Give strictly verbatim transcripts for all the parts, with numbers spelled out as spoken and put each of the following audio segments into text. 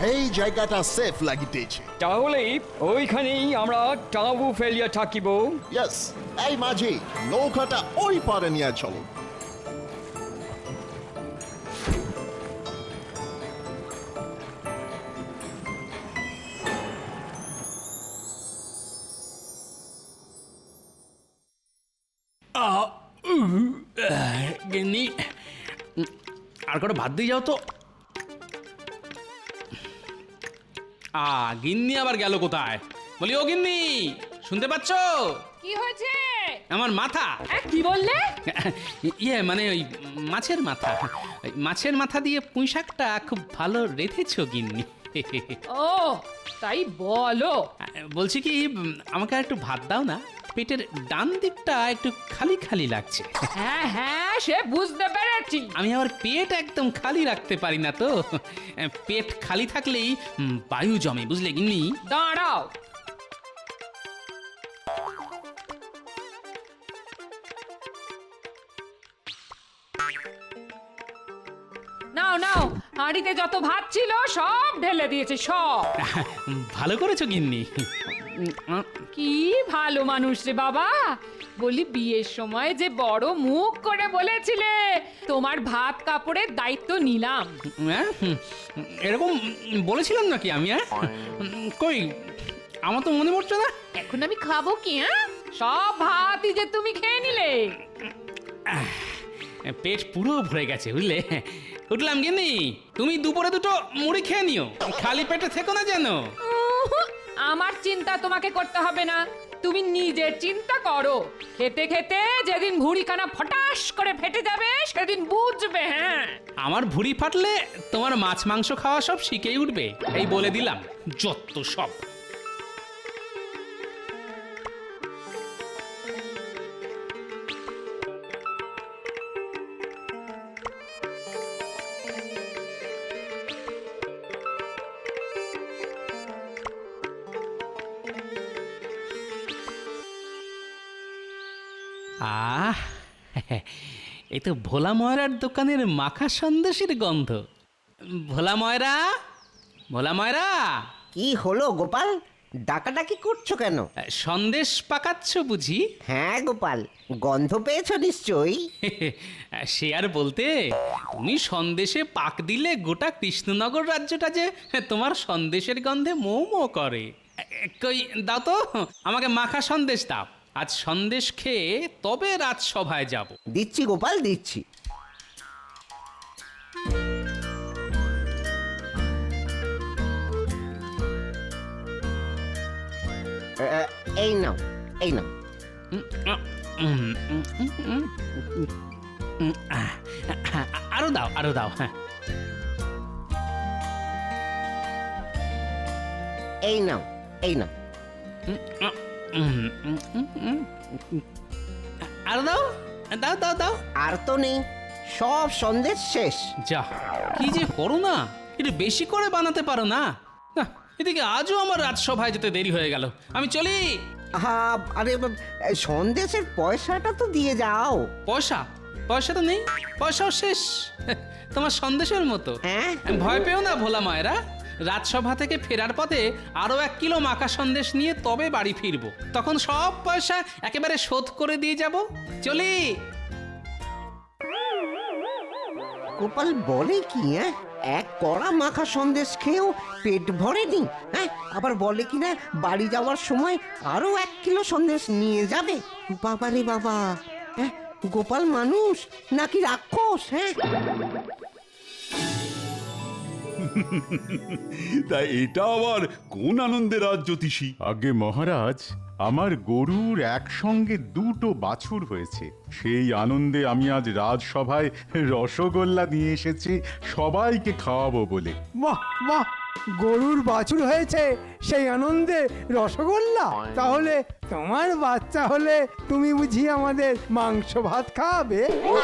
এই জায়গাটা সেফ লাগিতেছে। তাহলে ওইখানেই আমরা টাবু ফেলিয়া থাকিব। ইয়েস, এই মাঝি নৌকাটা ওই পারে নিয়ে চলো। গিন্নি, আর করে ভাত দিয়ে যাও তো। আ গিন্নি আবার গেল কোথায়? বলি ও গিন্নি, শুনতে পাচ্ছ? কি হয়েছে? আমার মাথা। এ, কি বললে? ইয়ে মানে ওই মাছের মাথা, ওই মাছের মাথা দিয়ে পুঁই শাকটা খুব ভালো রেঁধেছো গিন্নি। ও তাই বলো। বলছি কি, আমাকে আর একটু ভাত দাও না, পেটের ডান দিকটা একটু খালি খালি লাগছে। হ্যাঁ হ্যাঁ সে বুঝতে পেরেছি। আমি আবার পেট একদম খালি রাখতে পারি না তো, পেট খালি থাকলেই উম, বায়ু জমে, বুঝলে গিন্নি? দাঁড়াও, নাও নাও, হাঁড়িতে যত ভাত ছিল সব ঢেলে দিয়েছে সব। ভালো করেছো গিন্নি। কি ভালো মানুষ রে বাবা। বলি বিয়ের সময় যে বড় মুখ করে বলেছিলে তোমার ভাত কাপড়ের দায়িত্ব নিলাম। হ্যাঁ, এরকম বলেছিলাম নাকি আমি? হ্যাঁ, কই আমার তো মনে পড়ছে না। এখন আমি খাবো কি? হ্যাঁ, সব ভাতই যে তুমি খেয়ে নিলে। পেট পুরো ভরে গেছে, বুঝলে? উঠলাম গিন্নি, তুমি দুপুরে দুটো মুড়ি খেয়ে নিও, খালি পেটে থেকো না যেন। উহু, আমার চিন্তা তোমাকে করতে হবে না, তুমি নিজের চিন্তা করো। খেতে খেতে যেদিন ভুঁড়িখানা ফটাস করে ফেটে যাবে সেদিন বুঝবে। হ্যাঁ, আমার ভুঁড়ি ফাটলে তোমার মাছ মাংস খাওয়া সব শিখেই উঠবে, এই বলে দিলাম। যত সব। আহ, এই তো ভোলা ময়রার দোকানের মাখা সন্দেশের গন্ধ। ভোলা ময়রা, ভোলা ময়রা, কি হলো গোপাল, ডাকাডাকি করছো কেন? সন্দেশ পাকাচ্ছ বুঝি? হ্যাঁ গোপাল, গন্ধ পেয়েছো নিশ্চয়ই। সে আর বলতে, তুমি সন্দেশে পাক দিলে গোটা কৃষ্ণনগর রাজ্যটা যে তোমার সন্দেশের গন্ধে মৌ মৌ করে। কই দাও তো, আমাকে মাখা সন্দেশ দাও। আজ সন্দেশ খেয়ে তবে রাজসভায় যাব। দিচ্ছি গোপাল, দিচ্ছি। এ, এই নাও, এই নাও। আরো দাও, আরো দাও। হ্যাঁ, এই নাও, এই নাও। আরো দাও, দাও দাও দাও। আর তো নেই, সব সন্দেশ শেষ। যা, কি যে করো না, একটু বেশি করে বানাতে পারো না? না, এদিকে আজও আমার রাজসভায় যেতে দেরি হয়ে গেল, আমি চলি। হা, আরে সন্দেশের পয়সাটা তো দিয়ে যাও। পয়সা? পয়সা তো নেই, পয়সাও শেষ। তোমার সন্দেশের মতো। হ্যাঁ, ভয় পেও না ভোলা মায়েরা, রাজসভা থেকে ফেরার পথে আরো এক কিলো মাখা সন্দেশ নিয়ে তবে বাড়ি ফিরবো, তখন সব পয়সা একেবারে শোধ করে দিয়ে যাব। চলি। গোপাল বলে কি? হ্যাঁ, এক কড়া মাখা সন্দেশ খেয়েও পেট ভরেনি। হ্যাঁ, আবার বলে কি না বাড়ি যাওয়ার সময় আরো এক কিলো সন্দেশ নিয়ে যাবে। বাবা রে বাবা, হ্যাঁ, গোপাল মানুষ নাকি রাক্ষস? হ্যাঁ, তা এটা আবার কোন আনন্দের রাজ জ্যোতিষী? আগে মহারাজ, আমার গরুর একসঙ্গে দুটো বাছুর হয়েছে, সেই আনন্দে আমি আজ রাজসভায় রসগোল্লা নিয়ে এসেছি সবাইকে খাওয়াবো বলে। বাহ বাহ, গরুর বাছুর হয়েছে সেই আনন্দে রসগোল্লা? তাহলে তোমার বাচ্চা হলে তুমি বুঝি আমাদের মাংস ভাত খাওয়াবে?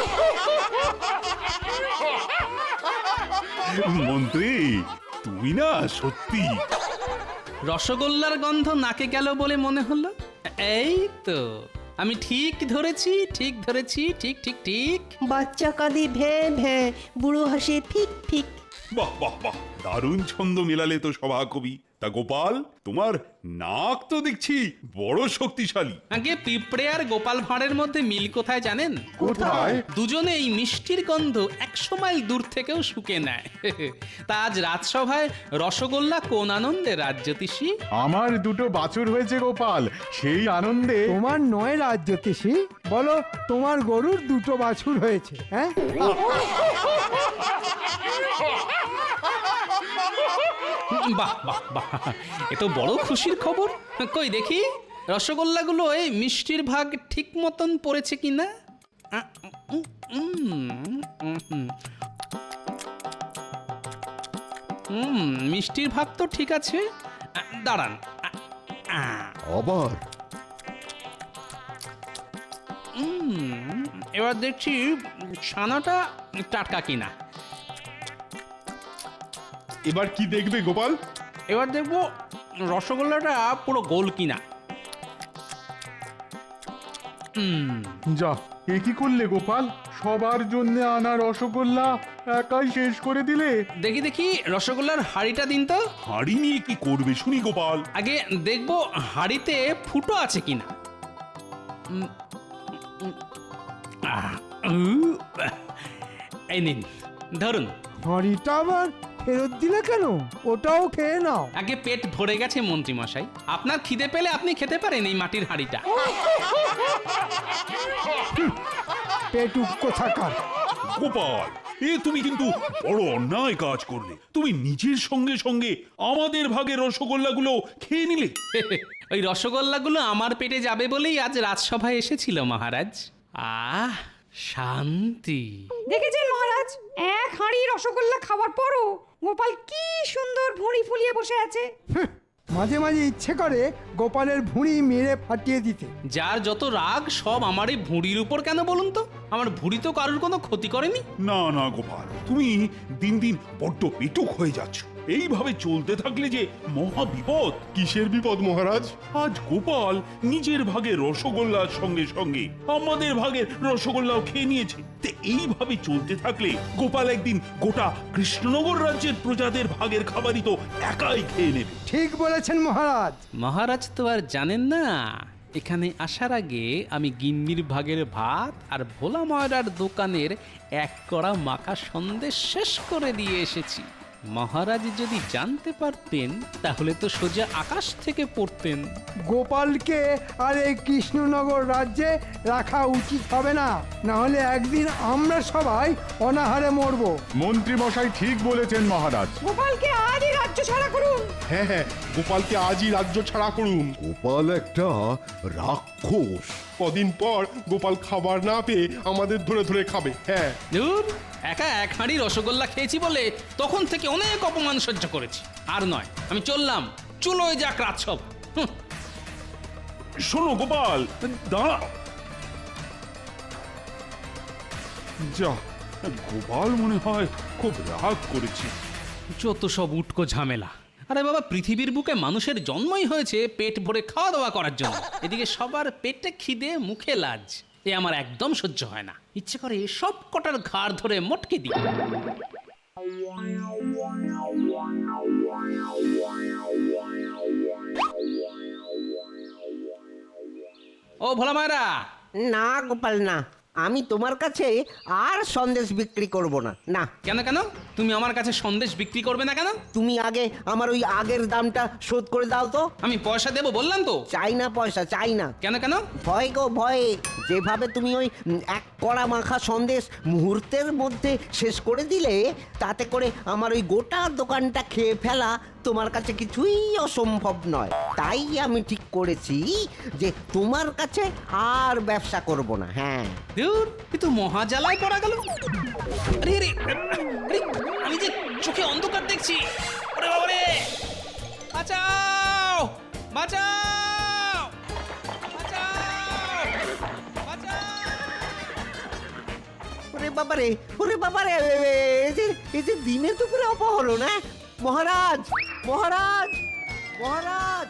মন্ত্রী, তুই না সত্যি। রসগোল্লার গন্ধ নাকে গেল বলে মনে হলো। এই তো আমি ঠিক ধরেছি, ঠিক ধরেছি, ঠিক ঠিক ঠিক। বাচ্চা কাঁদে ভ্যাঁ ভ্যাঁ, বুড়ো হাসে ফিক ফিক। বাহ বাহ বাহ, দারুণ ছন্দ মেলালে তো সভাকবি। তা গোপাল, তোমার নাক তো দেখছি বড় শক্তিশালী। আগে পিঁপড়ে আর গোপাল ভাঁড়ের মধ্যে মিল কোথায় জানেন? কোথায়? দুজনে এই মিষ্টির গন্ধ একশো মাইল দূর থেকেও শুকে নেয়। তা আজ রাজসভায় রসগোল্লা কোন আনন্দে রাজ্যতীষী? আমার দুটো বাছুর হয়েছে গোপাল, সেই আনন্দে। তোমার নয় রাজ্যতীষী, বলো তোমার গরুর দুটো বাছুর হয়েছে। হ্যাঁ, বাহ বাহ বাহ, এ তো বড় খুশির খবর। কই দেখি রসগোল্লাগুলো এই মিষ্টির ভাগ ঠিক মতন পড়েছে কিনা। হুম, মিষ্টির ভাগ তো ঠিক আছে। দাঁড়ান, আবার হুম, এবার দেখছি ছানাটা টাটকা কিনা। এবার কি দেখবে গোপাল? এবার দেখবো রসগোল্লাটা পুরো গোল কিনা। হুম, যা, এ কি করলে গোপাল? সবার জন্য আনা রসগোল্লা একাই শেষ করে দিলে। দেখি দেখি রসগোল্লার হাঁড়িটা দিন তো। হাঁড়ি নিয়ে কি করবে শুনি গোপাল? আগে দেখবো হাঁড়িতে ফুটো আছে কিনা। উম, উম, আহ, উহ, এই নিন ধরুন। হাঁড়িটা আবার ফেরত দিলে কেন? ওটাও খেয়ে নাও। আগে পেট ভরে গেছে মন্ত্রী মশাই, আপনার খিদে পেলে আপনি খেতে পারেন এই মাটির হাঁড়িটা। পেট উক্কো থাকার। গোপাল, এ তুমি কিন্তু বড় অন্যায় কাজ করলে। তুমি নিজের সঙ্গে সঙ্গে আমাদের ভাগে রসগোল্লাগুলো খেয়ে নিলে। ওই রসগোল্লাগুলো আমার পেটে যাবে বলেই আজ রাজসভায় এসেছিল মহারাজ। আহ, শান্তি। দেখেছেন মহারাজ, এক হাঁড়ি রসগোল্লা খাওয়ার পরও গোপাল কি সুন্দর ভুঁড়ি ফুলিয়ে বসে আছে। হুঁ, মাঝে মাঝে ইচ্ছে করে গোপালের ভুঁড়ি মেরে ফাটিয়ে দিতে। যার যত রাগ সব আমার এই ভুঁড়ির উপর কেন বলুন তো? আমার ভুঁড়ি তো কারোর কোনো ক্ষতি করেনি। না না গোপাল, তুমি দিন দিন বড্ড পেটুক হয়ে যাচ্ছ। এইভাবে চলতে থাকলে যে মহা বিপদ। কিসের বিপদ মহারাজ? আজ গোপাল নিজের ভাগে রসগোল্লার সঙ্গে সঙ্গে আমাদের ভাগের রসগোল্লাও খেয়ে নিয়েছে। তে এইভাবে চলতে থাকলে গোপাল একদিন গোটা কৃষ্ণনগর রাজ্যের প্রজাদের ভাগের খাবারই তো একাই খেয়ে নেবে। ঠিক বলেছেন মহারাজ। মহারাজ তো আর জানেন না, এখানে আসার আগে আমি গিন্নির ভাগের ভাত আর ভোলা ময়রার দোকানের এক কড়া মাখা সন্দেশ শেষ করে দিয়ে এসেছি। মহারাজ যদি জানতে পারতেন তাহলে তো সোজা আকাশ থেকে পড়তেন। গোপালকে আর এই কৃষ্ণনগর রাজ্যে রাখা উচিত হবে না, না হলে একদিন আমরা সবাই অনাহারে মরবো। মন্ত্রী মশাই ঠিক বলেছেন মহারাজ। গোপালকে আজই রাজ্য ছাড়া করুন। হ্যাঁ হ্যাঁ, গোপালকে আজই রাজ্য ছাড়া করুন। গোপাল একটা রাক্ষস। কদিন পর গোপাল খাবার না পেয়ে আমাদের ধরে ধরে খাবে। হ্যাঁ, ধুর, একা এক হাঁড়ি রসগোল্লা খেয়েছি বলে তখন থেকে অনেক অপমান সহ্য করেছি। আর নয়, আমি চললাম। চুলোয় যাক রাজসভা। হুঁ। শোনো গোপাল, দাঁড়া। যা, গোপাল মনে হয় খুব রাগ করেছে। যত সব উটকো ঝামেলা। আরে বাবা, পৃথিবীর বুকে মানুষের জন্মই হয়েছে পেট ভরে খাওয়া দাওয়া করার জন্য। এদিকে সবার পেটে খিদে, মুখে লাজ। এ আমার একদম সহ্য হয় না। ইচ্ছে করে সব কটার ঘাড় ধরে মটকে দিই। ও ভোলা মায়েরা, না গোপাল না, আমি তোমার কাছে আর সন্দেশ বিক্রি করব না। না। কেন কেন? তুমি আমার কাছে সন্দেশ বিক্রি করবে না কেন? তুমি আগে আমার ওই আগের দামটা শোধ করে দাও তো। আমি পয়সা দেবো বললাম তো। চাই না পয়সা, চাই না। কেন কেন? ভয় গো ভয়ে। যেভাবে তুমি ওই উম, এক কড়া মাখা সন্দেশ মুহূর্তের মধ্যে শেষ করে দিলে, তাতে করে আমার ওই গোটা দোকানটা খেয়ে ফেলা তোমার কাছে কিছুই অসম্ভব নয়। তাই আমি ঠিক করেছি যে তোমার কাছে আর ব্যবসা করব না। হ্যাঁ, ধুর, এ তো মহা জ্বালায় পড়া গেল। আরে আরে আরে, আমি যে চোখে অন্ধকার দেখছি। ওরে বাবা রে, বাঁচাও বাঁচাও বাঁচাও বাঁচাও। ওরে বাবারে, ওরে বাবারে, এই যে এই যে দিনে দুপুরে অপহরণ। হ্যাঁ মহারাজ, মহারাজ, মহারাজ।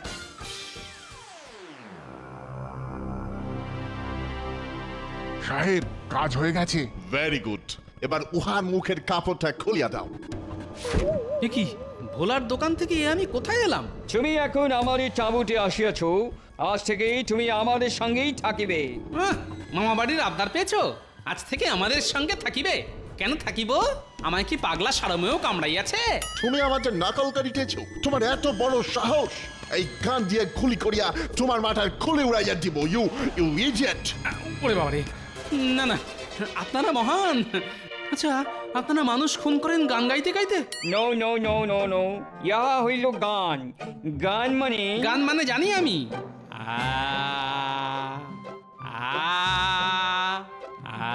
সাহেব, কাজ হয়ে গেছে। Very good. এবার উহার মুখের কাপড়টা খুলিয়া দাও। এ কি ভোলার দোকান থেকে এ আমি কোথায় এলাম? তুমি এখন আমাদের চাবুটে আসিয়াছ, আজ থেকে তুমি আমাদের সঙ্গেই থাকিবে। আহ, মামা বাড়ির আবদার পেয়েছো? আজ থেকে আমাদের সঙ্গে থাকিবে? কেন থাকিব? আমায় কি পাগলা সারমেও কামড়াইয়াছে? তুমি আমাদের নকল করিতেছ? তোমার এত বড় সাহস! এই গান দিয়ে খুলি করিয়া তোমার মাথার খুলে উড়াইয়া দিব। You you idiot! ওরে বাবারে, না না, আপনারা মহান। আচ্ছা, আপনারা মানুষ খুন করেন গান গাইতে গাইতে? No no no no no, ইহা হইল গান। গান মানে গান মানে জানি আমি। আ আ আ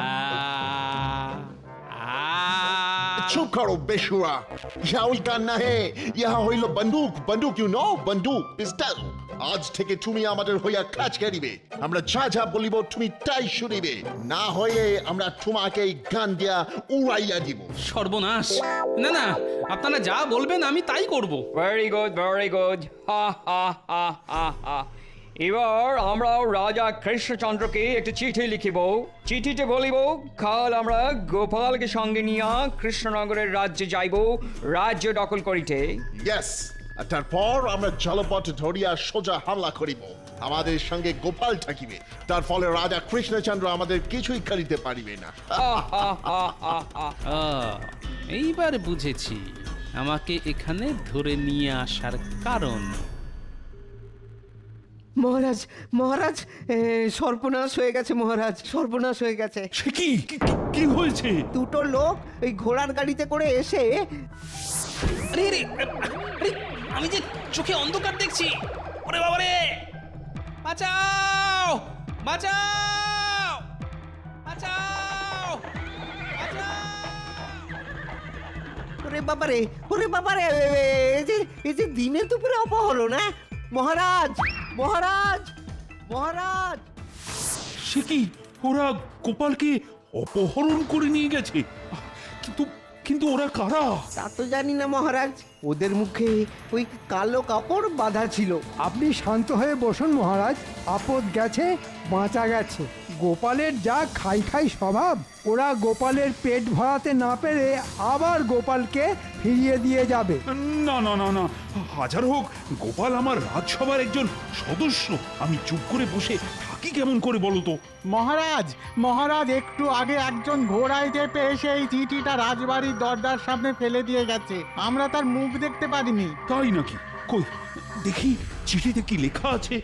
আ চুপ করো বেশুরা! ইহা ওই গান না হে, ইহা হইল বন্দুক। বন্দুক, ইউ নো, বন্দুক, পিস্তল। আজ থেকে তুমি আমাদের হইয়া কাজ করিবে। আমরা যা যা বলিব তুমি তাই শুনিবে, না হয়ে আমরা তোমাকে এই গান দিয়া উড়াইয়া দিব। সর্বনাশ! না না, আপনারা যা বলবেন আমি তাই করব। Very good, very good. হা হা হা হা হা। এবার আমরা রাজা কৃষ্ণচন্দ্রকে একটা চিঠি লিখিব। চিঠিতে বলিব, কাল আমরা গোপালকে সঙ্গে নিয়া কৃষ্ণনগরের রাজ্যে যাইব রাজ্য দখল করিতে। ইয়েস, আর তারপর আমরা জলপথ ধরিয়া সোজা হামলা করিব। আমাদের সঙ্গে গোপাল থাকিবে, তার ফলে রাজা কৃষ্ণচন্দ্র আমাদের কিছুই করিতে পারিবে না। হা হা হা হা হা। আহ, এইবার বুঝেছি আমাকে এখানে ধরে নিয়ে আসার কারণ। মহারাজ, মহারাজ, এ, সর্বনাশ হয়ে গেছে মহারাজ, সর্বনাশ হয়ে গেছে। সে কি কি- কি- কি হয়েছে? দুটো লোক ওই ঘোড়ার গাড়িতে করে এসে আরে আরে আরে, আমি যে চোখে অন্ধকার দেখছি। ওরে বাবা রে, বাঁচাও বাঁচাও বাঁচাও বাঁচাও! ওরে বাবারে, ওরে বাবারে, এ- এ- এই যে এই যে দিনে দুপুরে অপহরণ, হ্যাঁ? মহারাজ, মহারাজ, মহারাজ! সে কি ওরা গোপালকে অপহরণ করে নিয়ে গেছে? কিন্তু কিন্তু ওরা কারা? তা তো জানি না মহারাজ, ওদের মুখে ওই কালো কাপড় বাঁধা ছিল। আপনি শান্ত হয়ে বসুন মহারাজ, আপদ গেছে বাঁচা গেছে। গোপালের যা খাই খাই স্বভাব, ওরা গোপালের পেট ভরাতে না পেরে আবার গোপালকে ফিরিয়ে দিয়ে যাবে। না না না না, হাজার হোক গোপাল আমার রাজসভার একজন সদস্য। আমি চুপ করে বসে থাকি কেমন করে বলো তো? মহারাজ, মহারাজ একটু আগে একজন ঘোড়ায় চেপে এসে এই চিঠিটা রাজবাড়ির দরজার সামনে ফেলে দিয়ে গেছে। আমরা তার মুখ দেখতে পারিনি। তাই নাকি? কই দেখি চিঠিতে কি লেখা আছে।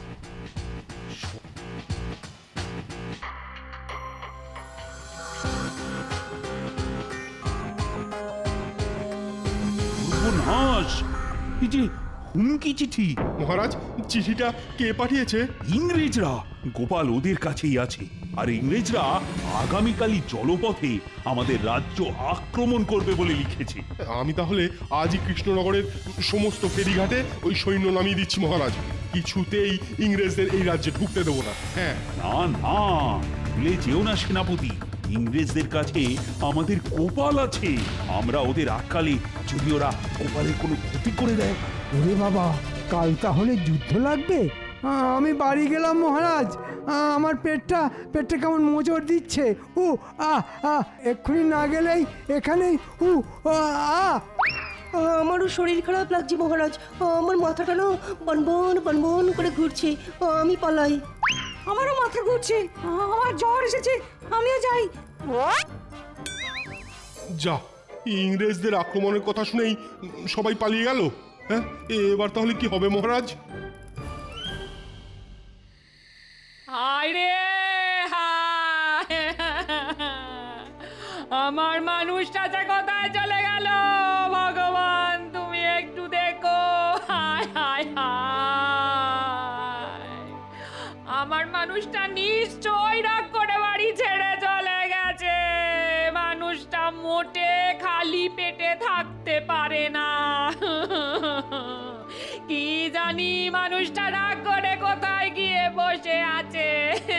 সর্বনাশ! এই যে হুমকি চিঠি। মহারাজ, চিঠিটা কে পাঠিয়েছে? ইংরেজরা। গোপাল ওদের কাছেই আছে, আর ইংরেজরা আগামীকালই জলপথে আমাদের রাজ্য আক্রমণ করবে বলে লিখেছে। আমি তাহলে আজই কৃষ্ণনগরের সমস্ত ফেরিঘাটে ওই সৈন্য নামিয়ে দিচ্ছি মহারাজ। কিছুতেই ইংরেজদের এই রাজ্যে ঢুকতে দেবো না। হ্যাঁ, না না, ভুলে যেও না সেনাপতি, ইংরেজদের কাছে আমাদের গোপাল আছে। আমরা ওদের আটকালে যদি ওরা গোপালের কোনো ক্ষতি করে দেয়। ওরে বাবা, কাল তাহলে যুদ্ধ লাগবে। আ, আমি বাড়ি গেলাম মহারাজ। আ, আমার পেটটা পেটটা কেমন মোচড় দিচ্ছে। উ আ আ এক্ষুনি না গেলেই এখানেই উ আ আ। আমারও শরীর খারাপ লাগছে মহারাজ, আমার মাথাটা না বনবন বনবন করে ঘুরছে, আমি পালাই। আমারও মাথা ঘুরছে, আমার জ্বর এসেছে, আমিও যাই। যা, ইংরেজদের আক্রমণের কথা শুনেই সবাই পালিয়ে গেল। হ্যাঁ, এবার তাহলে কি হবে মহারাজ? হায় রে হায়! আমার মানুষটা যে কোথায় চলে গেল ভগবান, তুমি একটু দেখো। হায় হায় হায়! আমার মানুষটা নিশ্চয় রাগ করে বাড়ি ছেড়ে চলে গেছে। মানুষটা মোটে খালি পেটে থাকতে পারে না। কি জানি মানুষটা রাগ করে কোথায় গিয়ে বসে আছে।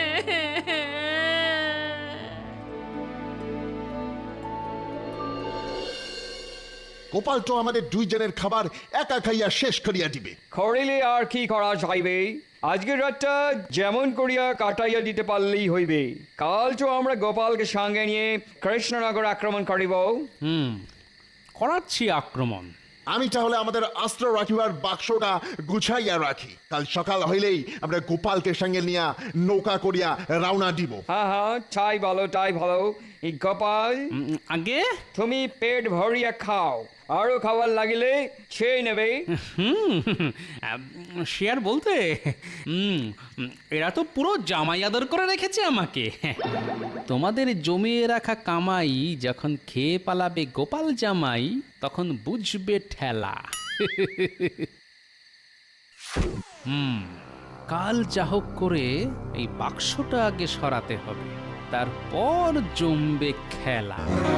গোপাল তো আমাদের দুইজনের খাবার একা খাইয়া শেষ করিয়া দিবে। করিলে আর কি করা যাইবে? আজকের রাতটা যেমন করিয়া কাটাইয়া দিতে পারলেই হইবে। কাল তো আমরা গোপালকে সঙ্গে নিয়ে কৃষ্ণনগর আক্রমণ করিব। হুম, করাচ্ছি আক্রমণ। আমি তাহলে আমাদের অস্ত্র রাখিবার বাক্সটা গুছাইয়া রাখি, কাল সকাল হইলেই আমরা গোপালকে সঙ্গে নিয়ে নৌকা করিয়া রওনা দিব। হ্যাঁ হ্যাঁ তাই বলো তাই বলো। এই গোপাল, উম, আগে তুমি পেট ভরিয়া খাও, আরো খাবার লাগিলে সেই নেবে। হুম শেয়ার বলতে হুম এরা তো পুরো জামাই আদর করে রেখেছে আমাকে। তোমাদের জমিয়ে রাখা কামাই যখন খেয়ে পালাবে গোপাল জামাই, তখন বুঝবে ঠেলা। হুম কাল যা হোক করে এই বাক্সটা আগে সরাতে হবে, তারপর জমবে খেলা।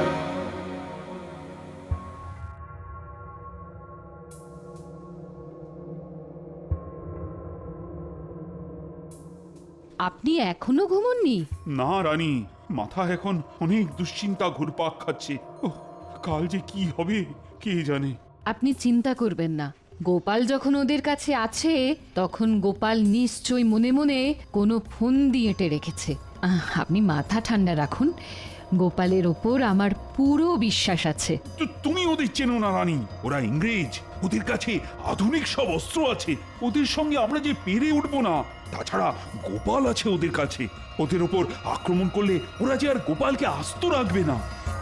আপনি এখনো ঘুমোননি? না রানী, মাথা এখন অনেক দুশ্চিন্তা ঘুরপাক খাচ্ছে। ওহ, কাল যে কি হবে কে জানে। আপনি চিন্তা করবেন না, গোপাল যখন ওদের কাছে আছে তখন গোপাল নিশ্চয়ই মনে মনে কোনো ফোন দিয়ে এঁটে রেখেছে। আহ, আপনি মাথা ঠান্ডা রাখুন, গোপালের ওপর আমার পুরো বিশ্বাস আছে। তো তুমি ওদের চেনো না রানী, ওরা ইংরেজ, ওদের কাছে আধুনিক সব অস্ত্র আছে, ওদের সঙ্গে আমরা যে পেরে উঠবো না। তাছাড়া গোপাল আছে ওদের কাছে, ওদের ওপর আক্রমণ করলে ওরা যে আর গোপালকে আস্ত রাখবে না।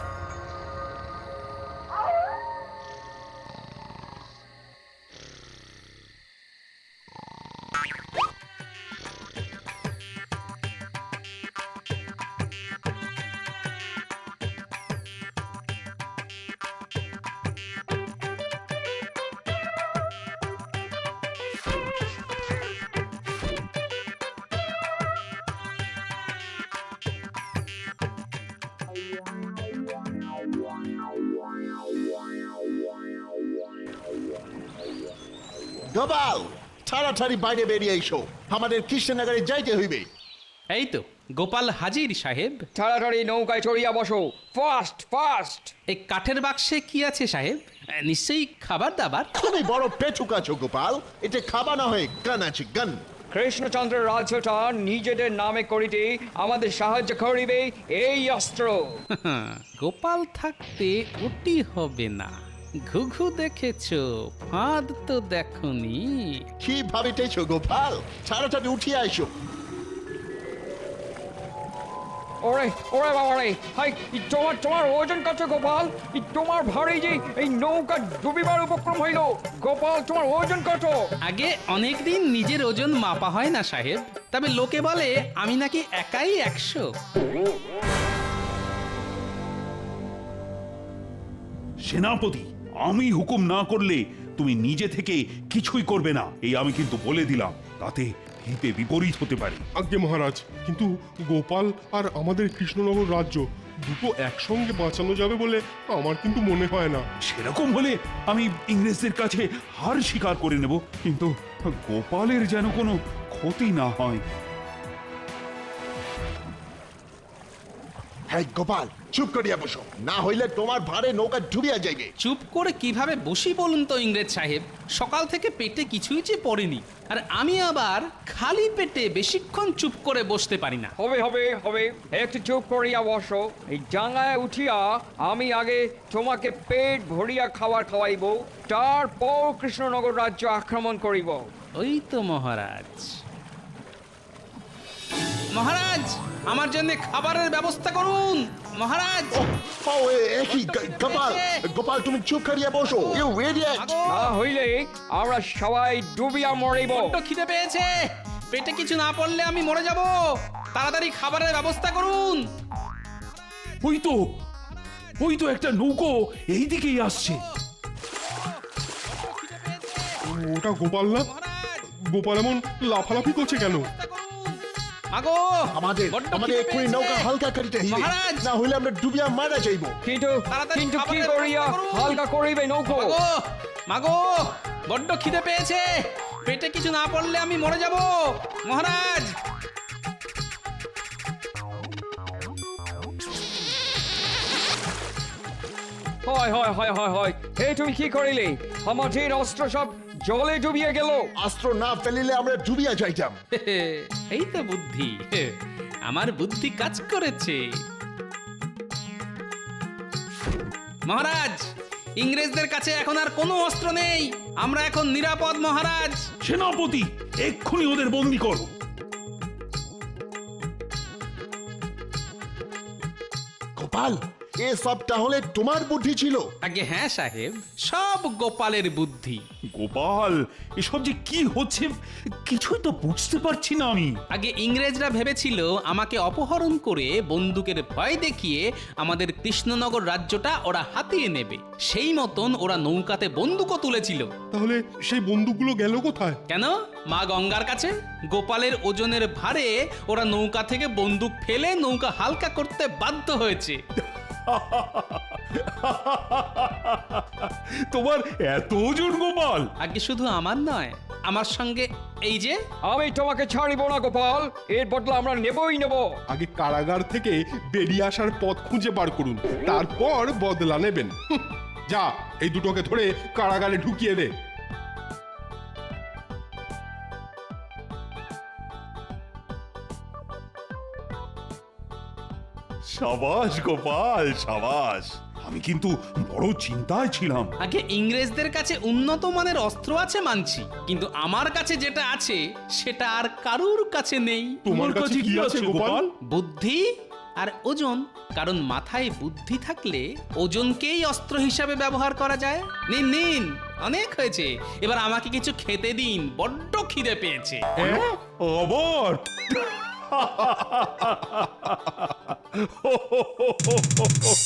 গোপাল, তাড়াতাড়ি বাইরে বেরিয়ে এসো, আমাদের কৃষ্ণনগরে যাইতে হইবে। এই তো গোপাল হাজির সাহেব। তাড়াতাড়ি নৌকায় চড়িয়া বসো, ফাস্ট ফাস্ট। এই কাঠের বাক্সে কি আছে সাহেব? নিশ্চয়ই খাবার দাবার। তুমি বড় পেটুক আছো গোপাল, এটা খাবা না হয় গান আছে গান। কৃষ্ণচন্দ্রের রাজ্যটা নিজেদের নামে করিতে আমাদের সাহায্য করিবে এই অস্ত্র। গোপাল থাকতে ওটি হবে না। ঘুঘু দেখেছো, ফাঁদ তো দেখনি। কি ভাবিতেছো গোপাল? তাড়াতাড়ি উঠিয়া এসো। ওরে ওরে বাবা রে, হাই তোমার তোমার ওজন কত গোপাল? এই তোমার ভারী যে এই নৌকা ডুবিবার উপক্রম হইল। গোপাল তোমার ওজন কত? আগে অনেকদিন নিজের ওজন মাপা হয় না সাহেব, তবে লোকে বলে আমি নাকি একাই একশো। সেনাপতি, আমি হুকুম না করলে তুমি নিজে থেকে কিছুই করবে না, এই আমি কিন্তু বলে দিলাম, তাতে হিতে বিপরীত হতে পারে। আজ্ঞে মহারাজ, কিন্তু গোপাল আর আমাদের কৃষ্ণনগর রাজ্য দুটো একসঙ্গে বাঁচানো যাবে বলে আমার কিন্তু মনে হয় না। সেরকম হলে আমি ইংরেজদের কাছে হার স্বীকার করে নেব, কিন্তু গোপালের যেন কোনো ক্ষতি না হয়। হ্যাঁ গোপাল, চুপ করিয়া বসো, না হইলে তোমার ভারে নৌকা ডুবিয়া যাইবে। চুপ করে কিভাবে বসি বলুন তো ইংরেজ সাহেব? সকাল থেকে পেটে কিছুই যে পড়েনি, আর আমি আবার খালি পেটে বেশিক্ষণ চুপ করে বসতে পারি না। হবে হবে হবে, একটু চুপ করিয়া বসো। এই ডাঙায় উঠিয়া আমি আগে তোমাকে পেট ভরিয়া খাবার খাওয়াইব, তারপর কৃষ্ণনগর রাজ্য আক্রমণ করিব। ওই তো মহারাজ। মহারাজ, আমার জন্য খাবারের ব্যবস্থা করুন মহারাজ। ও একই গোপাল, গোপাল তুমি চুপ করিয়া বসো। You idiot! না হইলে আমরা সবাই ডুবিয়া মরিব। বড্ড খিদে পেয়েছে, পেটে কিছু না পড়লে আমি মরে যাব। তাড়াতাড়ি খাবারের ব্যবস্থা করুন। ওই তো ওই তো একটা নৌকো এই দিকেই আসছে। ওটা গোপাল না? গোপাল এমন লাফালাফি করছে কেন? আগো, আমাদের বড্ড আমাদের খিদে এক্ষুনি পেয়েছে। নৌকা হালকা করিতে হইবে, মহারাজ! না হইলে আমরা ডুবিয়া মারা যাইব। কিন্তু তাড়াতাড়ি কিন্তু কি খাবারের করিয়া ব্যবস্থা করুন। হালকা করিবে নৌকো? মাগো, মাগো, বড্ড খিদে পেয়েছে, পেটে কিছু না পড়লে আমি মরে যাব মহারাজ। হয় হয় হয় হয় হয়, হে তুমি কি করিলে? আমাদের অস্ত্র সব জলে ডুবিয়ে গেল। অস্ত্র না ফেলিলে আমরা ডুবিয়া যাইতাম। এই তো বুদ্ধি, আমার বুদ্ধি কাজ করেছে। মহারাজ, ইংরেজদের কাছে এখন আর কোনো অস্ত্র নেই, আমরা এখন নিরাপদ মহারাজ। সেনাপতি, এক্ষুনি ওদের বন্দি করো। গোপাল এসব তাহলে তোমার বুদ্ধি ছিল? আগে হ্যাঁ সাহেব, সব গোপালের বুদ্ধি। গোপাল, এসব যে কি হচ্ছে কিছুই তো বুঝতে পারছি না আমি। আগে ইংরেজরা ভেবেছিল আমাকে অপহরণ করে বন্দুকের ভয় দেখিয়ে আমাদের কৃষ্ণনগর রাজ্যটা ওরা হাতিয়ে নেবে, সেই মতন ওরা নৌকাতে বন্দুকও তুলেছিল। তাহলে সেই বন্দুকগুলো গেল কোথায়? কেন? মা গঙ্গার কাছে। গোপালের ওজনের ভারে ওরা নৌকা থেকে বন্দুক ফেলে নৌকা হালকা করতে বাধ্য হয়েছে। তোমার এত ওজন গোপাল? আগে শুধু আমার নয়, আমার সঙ্গে এই যে। আমি তোমাকে ছাড়িব না গোপাল, এর বদলা আমরা নেবই নেব। আগে কারাগার থেকে বেরিয়ে আসার পথ খুঁজে বার করুন, তারপর বদলা নেবেন। হুঁ, যা এই দুটোকে ধরে কারাগারে ঢুকিয়ে দে। সাবাস গোপাল, সাবাস। আমি কিন্তু বড় চিন্তায় ছিলাম। আগে ইংরেজদের কাছে উন্নত মানের অস্ত্র আছে মানছি, কিন্তু আমার কাছে যেটা আছে সেটা আর কারুর কাছে নেই। তোমার কাছে কি আছে গোপাল? বুদ্ধি আর ওজন। কারণ মাথায় বুদ্ধি থাকলে ওজনকেই অস্ত্র হিসাবে ব্যবহার করা যায়। নিন নিন, অনেক হয়েছে, এবার আমাকে কিছু খেতে দিন, বড্ড খিদে পেয়েছে। আবার